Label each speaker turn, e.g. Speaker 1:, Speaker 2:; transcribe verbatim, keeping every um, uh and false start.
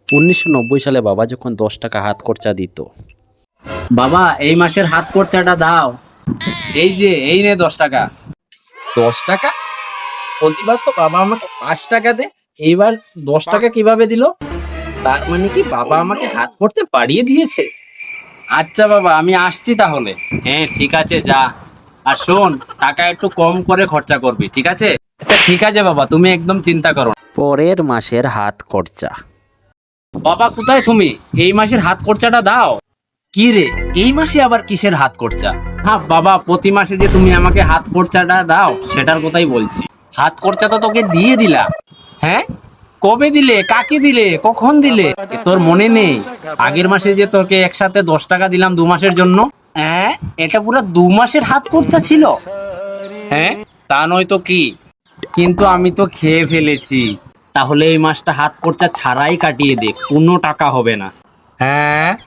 Speaker 1: উনিশশো নব্বই সালে বাবা যখন দশ টাকা হাত খরচা দিত।
Speaker 2: বাবা এই মাসের হাত খরচাটা দাও। এই যে এই নে দশ টাকা।
Speaker 3: দশ টাকা? প্রতিবার তো বাবা আমাকে পাঁচ টাকা দেয়, এইবার দশ টাকা কিভাবে দিল? তার মানে কি বাবা আমাকে হাত খরচা বাড়িয়ে দিয়েছে?
Speaker 2: আচ্ছা বাবা, আমি আসছি তাহলে। হ্যাঁ ঠিক আছে, যা। আর শোন, টাকা একটু কম করে খরচা করবি, ঠিক আছে? আচ্ছা ঠিক আছে বাবা, তুমি একদম চিন্তা করো না।
Speaker 1: পরের মাসের হাত খরচা।
Speaker 2: বাবা কোথায় তুমি? এই মাসের হাত খরচাটা দাও। কি রে, এই মাসে আবার কিসের হাত খরচা? হ্যাঁ বাবা, প্রতি মাসে যে তুমি আমাকে হাত খরচাটা দাও সেটার কথাই বলছি। হাত খরচা তো তোকে দিয়ে দিলাম। হ্যাঁ, কবে দিলে, কাকে দিলে, কখন দিলে? এ তোর মনে নেই? আগের মাসে যে তোকে একসাথে দশ টাকা দিলাম দু মাসের জন্য। হ্যাঁ, এটা পুরো দু মাসের হাত খরচা ছিল। হ্যাঁ, তা নয় তো কি? কিন্তু আমি তো খেয়ে ফেলেছি। তাহলে এই মাসটা হাত খরচা ছাড়াই কাটিয়ে দে, কোনো টাকা হবে না। হ্যাঁ,